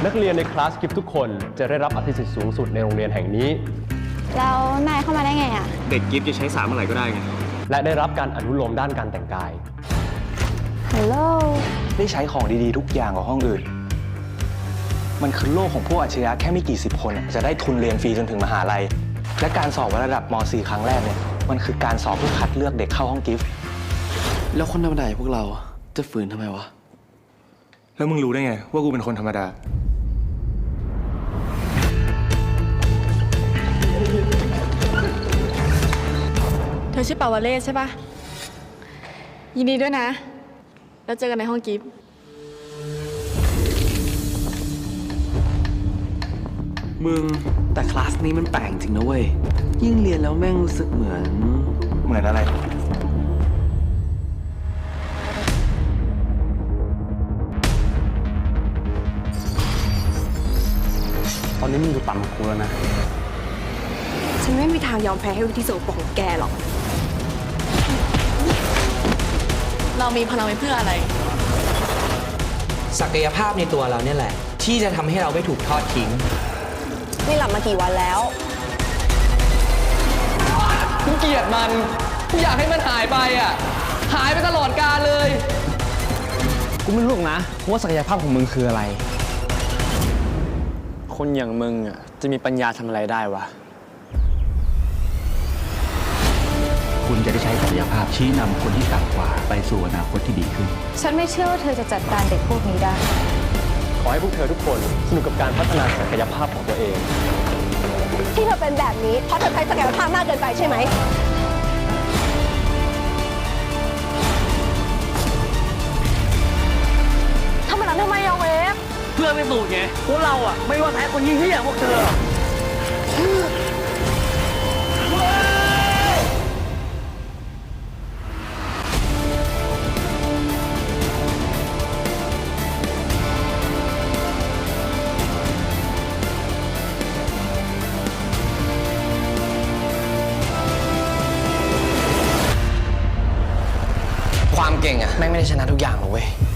นักเรียนในคลาสกิฟทุกคนจะได้รับอภิสิทธิ์สูงสุดในโรงเรียนแห่งนี้แล้วนายเข้ามาได้ไงอ่ะเด็กกิฟต์จะใช้สามเมื่อไหร่ก็ได้ไงและได้รับการอนุโลมด้านการแต่งกายฮัลโหลได้ใช้ของดีๆทุกอย่างกว่าห้องอื่นมันคือโลกของพวกอัจฉริยะแค่ไม่กี่สิบคนจะได้ทุนเรียนฟรีจนถึงมหาลัยและการสอบวัดระดับม .4 ครั้งแรกเนี่ยมันคือการสอบเพื่อคัดเลือกเด็กเข้าห้องกิฟต์แล้วคนธรรมดาพวกเราจะฝืนทำไมวะแล้วมึงรู้ได้ไงว่ากูเป็นคนธรรมดาเธอชื่อปาวเลศใช่ปะยินดีด้วยนะแล้วเจอกันในห้องกิฟต์มึงแต่คลาสนี้มันแปลกจริงนะเว้ยยิ่งเรียนแล้วแม่งรู้สึกเหมือนอะไรตอนนี้มึงอยู่ต่ำกว่ากูแล้วนะฉันไม่มีทางยอมแพ้ให้วิธีโสโปรกของแกหรอกเรามีพลังไว้เพื่ออะไรศักยภาพในตัวเราเนี่ยแหละที่จะทำให้เราไม่ถูกทอดทิ้งนี่หลับมากี่วันแล้วกูเกลียดมันกูอยากให้มันหายไปอ่ะหายไปตลอดกาลเลยกูไม่รู้นะว่าศักยภาพของมึงคืออะไรคนอย่างมึงอ่ะจะมีปัญญาทำอะไรได้วะคุณจะได้ใช้ศักยภาพชี้นำคนที่ต่ำกว่าไปสู่อนาคตที่ดีขึ้นฉันไม่เชื่อว่าเธอจะจัดการเด็กพวกนี้ได้ขอให้พวกเธอทุกคนสนุกกับการพัฒนาศักยภาพของตัวเองที่เธอเป็นแบบนี้เพราะเธอใช้ศักยภาพมากเกินไปใช่ไหมทำแบบนั้นทำไมอะเวฟเพื่อไม่สูญไงพวกเราอ่ะไม่ว่าแพ้คนยิ่งที่อย่างพวกเธอความเก่งอะแม่งไม่ได้ชนะทุกอย่างหรอกเว้ย